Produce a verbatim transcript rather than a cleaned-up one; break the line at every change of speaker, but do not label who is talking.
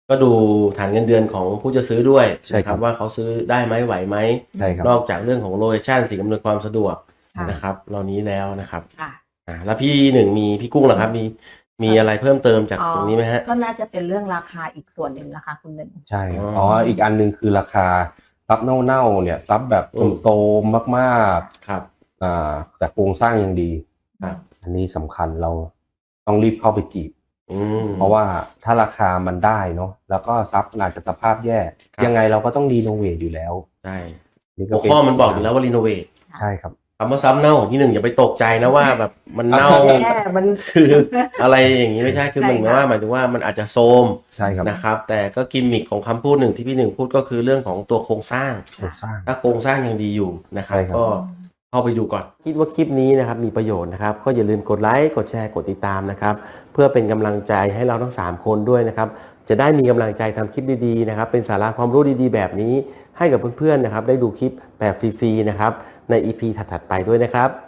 ก็ดูฐานเงินเดือนของผู้จะซื้อด้วย
ใช่ครับ
ว่าเขาซื้อได้ไหมไหวไหม
ใช่ครับ
นอกจากเรื่องของโลเคชั่นสิ่งอำนวยความสะดวก
ค่ะ
นะครับเหล่านี้แล้วนะครับ
ค่ะ
อ่าแล้วพี่หนึ่งมีพี่กุ้งเหรอครับมีมีอะไรเพิ่มเติมจากตรงนี้ไหมฮะ
ก็น่าจะเป็นเรื่องราคาอีกส่วนหนึ่งนะคะคุณหนึ่ง
ใช่ครับ
อ๋อ
อ๋ออีกอันหนึงคือราคาซับเน่าๆเนี่ยซับแบบ
อืม
โซมๆมาก
ครับ
ๆอ่าแต่โครงสร้างยังดี
ครับ
อันนี้สำคัญเราต้องรีบเข้าไปจีบ
อืม
เพราะว่าถ้าราคามันได้เนาะแล้วก็ซับอาจจะสภาพแย่
ครับ
ยังไงเราก็ต้องรีโนเวทอยู่แล้ว
ใช่
นี่
หัว
เป็
ข้อมันบอกอยู่แล้วว่ารีโนเวท
ใช่ครับ
คำว่าซ้ำเน่าของพี่หนึ่งอย่าไปตกใจนะว่าแบบมันเน่า
แย่มัน
คืออะไรอย่างนี้ไม่ใช่คือ
ใช่
มันหมาย
ค่ะ
ว่าหมายถึงว่ามันอาจจะโทรม
ใช่ครับ
นะครับ แต่ก็กิมมิคของคำพูดหนึ่งที่พี่หนึ่งพูดก็คือเรื่องของตัวโครงสร้าง
โครงสร้าง
ถ้าโครงสร้างยังดีอยู่นะครับ
ใช่ครับ
ก็เข้าไปดูก่อน คิดว่าคลิปนี้นะครับมีประโยชน์นะครับ ก็อย่าลืมกดไลค์กดแชร์กดติดตามนะครับ เพื่อเป็นกำลังใจให้เราทั้งสามคนด้วยนะครับ จะได้มีกำลังใจทำคลิปดีๆนะครับ เป็นสาระความรู้ดีๆ แบบนี้ให้กับเพื่อนๆนะครับ ได้ดูคลิปแบบฟรีๆนะครับใน อี พี ถัดๆไปด้วยนะครับ